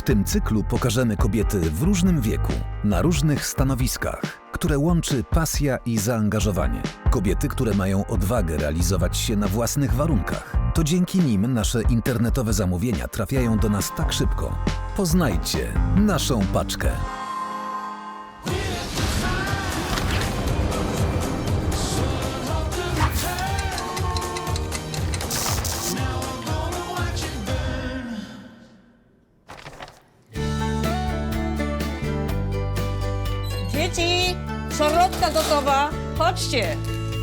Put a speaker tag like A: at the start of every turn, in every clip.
A: tym cyklu pokażemy kobiety w różnym wieku, na różnych stanowiskach, które łączy pasja i zaangażowanie. Kobiety, które mają odwagę realizować się na własnych warunkach. To dzięki nim nasze internetowe zamówienia trafiają do nas tak szybko. Poznajcie naszą paczkę.
B: Dzieci, szarlotka gotowa, chodźcie.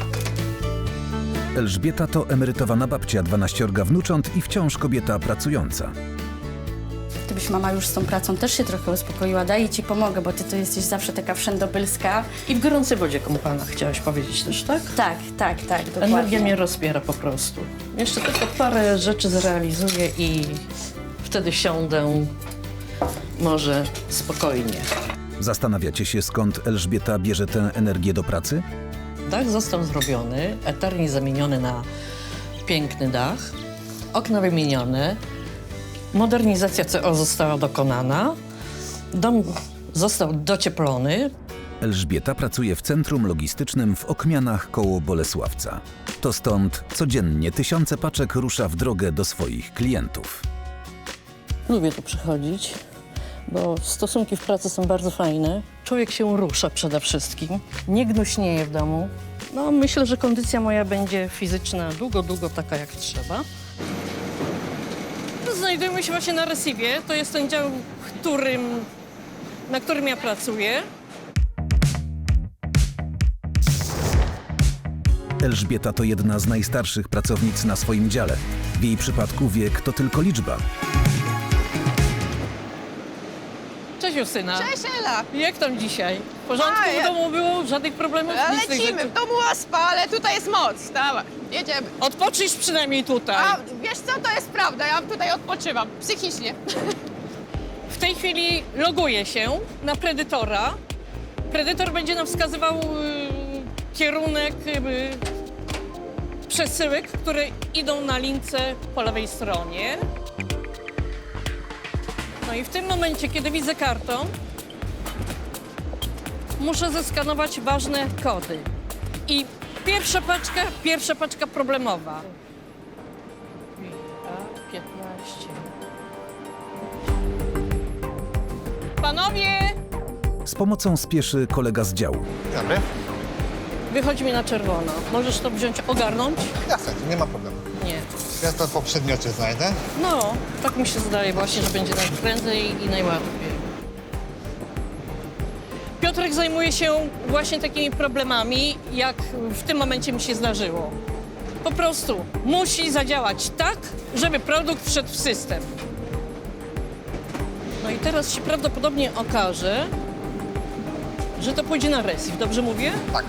A: Elżbieta to emerytowana babcia, 12 wnucząt i wciąż kobieta pracująca.
C: Gdybyś mama już z tą pracą też się trochę uspokoiła, daj i ci pomogę, bo ty to jesteś zawsze taka wszędobylska.
B: I w gorącej wodzie kąpana, chciałaś powiedzieć też, tak?
C: Tak,
B: Energia
C: dokładnie.
B: mnie rozpiera po prostu. Jeszcze tylko parę rzeczy zrealizuję i wtedy siądę może spokojnie.
A: Zastanawiacie się, skąd Elżbieta bierze tę energię do pracy?
B: Dach został zrobiony, eternie zamieniony na piękny dach, okna wymienione, modernizacja CO została dokonana, dom został docieplony.
A: Elżbieta pracuje w centrum logistycznym w Okmianach koło Bolesławca. To stąd codziennie tysiące paczek rusza w drogę do swoich klientów.
B: Lubię tu przychodzić, bo stosunki w pracy są bardzo fajne. Człowiek się rusza przede wszystkim, nie gnuśnieje w domu. No, myślę, że kondycja moja będzie fizyczna długo taka jak trzeba. Znajdujemy się właśnie na Recife. To jest ten dział, na którym ja pracuję.
A: Elżbieta to jedna z najstarszych pracownic na swoim dziale. W jej przypadku wiek to tylko liczba.
B: Cześć Justyna.
D: Cześć Ela!
B: Jak tam dzisiaj? W porządku
D: A,
B: w domu było? Żadnych problemów? Nic z tych
D: Lecimy,
B: rzeczy?
D: w domu łaspa, ale tutaj jest moc. Dawaj, jedziemy.
B: Odpocznij przynajmniej tutaj.
D: A wiesz co, to jest prawda, ja tutaj odpoczywam, psychicznie.
B: W tej chwili loguję się na Predatora. Predator będzie nam wskazywał kierunek przesyłek, które idą na lince po lewej stronie. No i w tym momencie, kiedy widzę kartą, muszę zeskanować ważne kody. I pierwsza paczka problemowa. 15. Panowie,
A: Z pomocą spieszy kolega z działu.
E: Dobry.
B: wychodzi mi na czerwono. Możesz to wziąć, ogarnąć?
E: Jasne, nie ma problemu.
B: Nie.
E: Ja to po przedmiocie znajdę.
B: No, tak mi się zdaje właśnie, że będzie najprędzej i najłatwiej. Piotrek zajmuje się właśnie takimi problemami, jak w tym momencie mi się zdarzyło. Po prostu musi zadziałać tak, żeby produkt wszedł w system. No i teraz się prawdopodobnie okaże, że to pójdzie na Recife. Dobrze mówię?
E: Tak.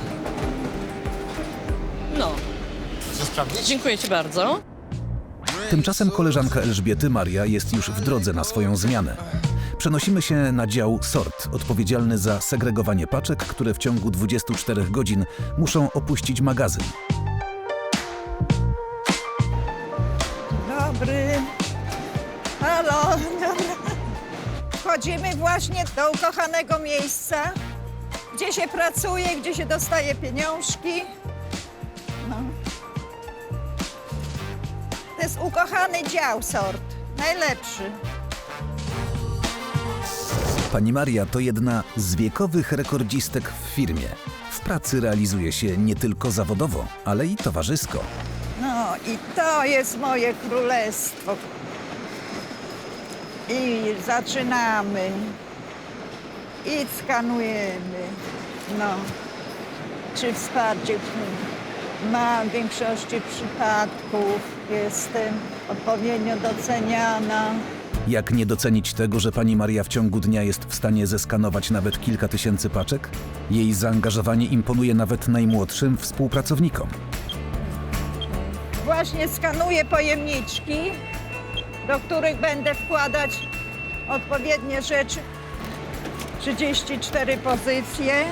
B: No,
E: Chcesz sprawdzić?
B: dziękuję ci bardzo.
A: Tymczasem koleżanka Elżbiety, Maria, jest już w drodze na swoją zmianę. Przenosimy się na dział sort, odpowiedzialny za segregowanie paczek, które w ciągu 24 godzin muszą opuścić magazyn.
F: Dobry. Halo. Wchodzimy właśnie do ukochanego miejsca, gdzie się pracuje, gdzie się dostaje pieniążki. No. To jest ukochany dział sort, najlepszy.
A: Pani Maria to jedna z wiekowych rekordzistek w firmie. W pracy realizuje się nie tylko zawodowo, ale i towarzysko.
F: No i to jest moje królestwo. I zaczynamy. I skanujemy. No. Czy wsparcie ma w większości przypadków. Jestem odpowiednio doceniana.
A: Jak nie docenić tego, że pani Maria w ciągu dnia jest w stanie zeskanować nawet kilka tysięcy paczek? Jej zaangażowanie imponuje nawet najmłodszym współpracownikom.
F: Właśnie skanuję pojemniczki, do których będę wkładać odpowiednie rzeczy. 34 pozycje.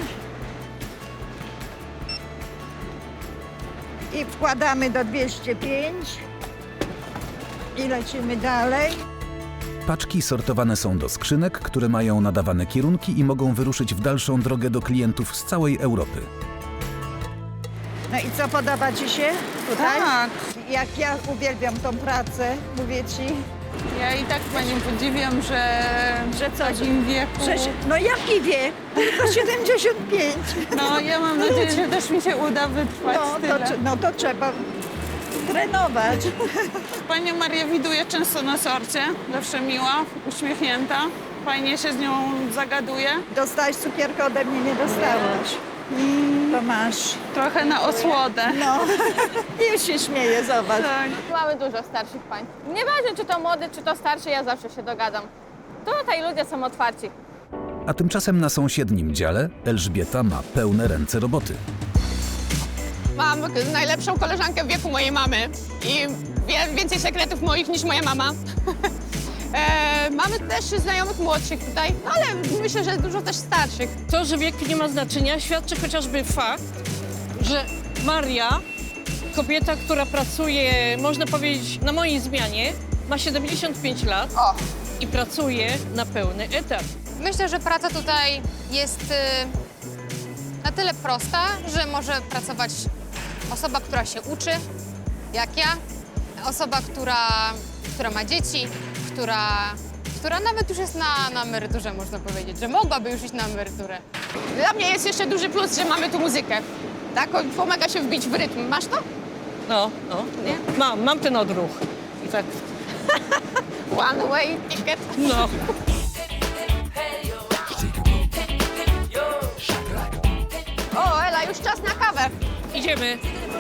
F: I wkładamy do 205. I lecimy dalej.
A: Paczki sortowane są do skrzynek, które mają nadawane kierunki i mogą wyruszyć w dalszą drogę do klientów z całej Europy.
F: No i co, podoba ci się tutaj?
G: Tak.
F: Jak ja uwielbiam tą pracę, mówię ci,
G: Ja i tak panią podziwiam, że w takim wieku...
F: no jaki wiek? Tylko 75.
G: No ja mam nadzieję, że też mi się uda wytrwać tyle.
F: To trzeba trenować.
G: Panią Marię widuję często na sorcie, zawsze miła, uśmiechnięta. Fajnie się z nią zagaduje.
F: Dostałeś cukierkę, ode mnie nie dostałaś. To masz.
G: Trochę na osłodę.
F: No, już się śmieje, zobacz.
G: Tak.
D: Mamy dużo starszych pań. Nieważne, czy to młody, czy to starszy, ja zawsze się dogadam. Tutaj ludzie są otwarci.
A: A tymczasem na sąsiednim dziale Elżbieta ma pełne ręce roboty.
D: Mam najlepszą koleżankę w wieku mojej mamy i wiem więcej sekretów moich niż moja mama. Mamy też znajomych młodszych tutaj, no ale myślę, że dużo też starszych.
B: To, że wiek nie ma znaczenia, świadczy chociażby fakt, że Maria, kobieta, która pracuje, można powiedzieć, na mojej zmianie, ma 75 lat i pracuje na pełny etat.
H: Myślę, że praca tutaj jest na tyle prosta, że może pracować osoba, która się uczy, jak ja, osoba, która ma dzieci, która nawet już jest na emeryturze, można powiedzieć, że mogłaby już iść na emeryturę.
D: Dla mnie jest jeszcze duży plus, że mamy tu muzykę. Tak, pomaga się wbić w rytm. Masz to?
B: No.
D: Nie?
B: Mam ten odruch. I tak,
D: One way ticket.
B: no.
D: O, Ela, już czas na kawę.
B: Idziemy.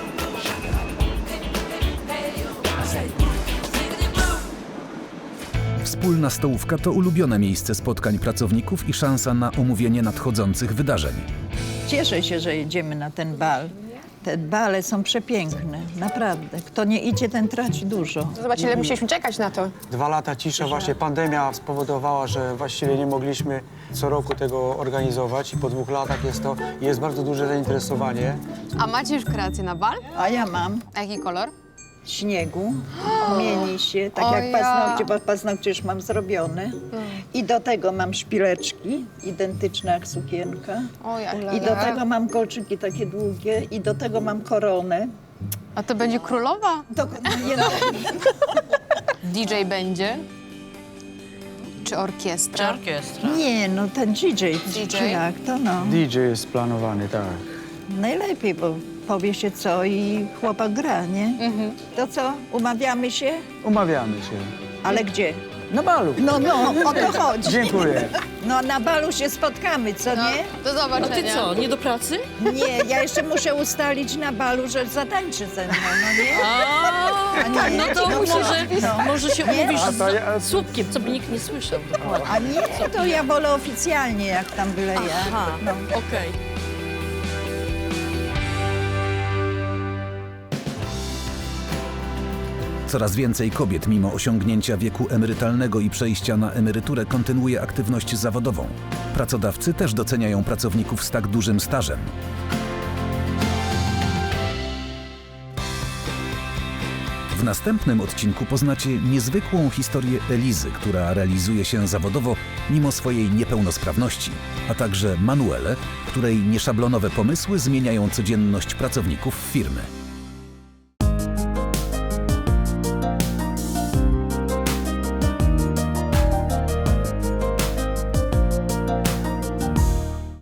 A: Wspólna stołówka to ulubione miejsce spotkań pracowników i szansa na omówienie nadchodzących wydarzeń.
F: Cieszę się, że jedziemy na ten bal. Te bale są przepiękne, naprawdę. Kto nie idzie, ten traci dużo.
D: Zobacz, ile musieliśmy czekać na to.
I: 2 lata cisza, właśnie pandemia spowodowała, że właściwie nie mogliśmy co roku tego organizować i po 2 latach jest bardzo duże zainteresowanie.
H: A macie już kreację na bal?
F: A ja mam
H: A jaki kolor?
F: śniegu, mieni się, tak
H: O
F: jak
H: ja.
F: paznokcie, bo paznokcie już mam zrobione. I do tego mam szpileczki, identyczne jak sukienka.
H: O ja.
F: I do tego mam kolczyki takie długie i do tego mam koronę.
H: A to będzie królowa?
F: To, nie, no,
H: DJ będzie? Czy orkiestra?
B: Orkiestra.
F: nie, no ten DJ, czy jak to no.
I: DJ jest planowany, tak.
F: Najlepiej, bo powie się co i chłopak gra, nie? To co, umawiamy się?
I: Umawiamy się.
F: Ale gdzie?
I: Na balu.
F: No, o to chodzi.
I: Dziękuję.
F: No na balu się spotkamy, co
H: No,
F: nie?
H: do
B: A ty
H: zobaczenia.
B: co, nie do pracy?
F: Nie, ja jeszcze muszę ustalić na balu, że zatańczy ze mną, no nie? A nie,
B: No to może się umówisz
I: A to ja-
B: z słupkiem, co by nikt nie słyszał. Dokładnie.
F: A nie, to ja wolę oficjalnie, jak tam byle ja.
B: Aha,
F: No.
B: okej.
A: Coraz więcej kobiet mimo osiągnięcia wieku emerytalnego i przejścia na emeryturę kontynuuje aktywność zawodową. Pracodawcy też doceniają pracowników z tak dużym stażem. W następnym odcinku poznacie niezwykłą historię Elizy, która realizuje się zawodowo mimo swojej niepełnosprawności, a także Manuelę, której nieszablonowe pomysły zmieniają codzienność pracowników firmy.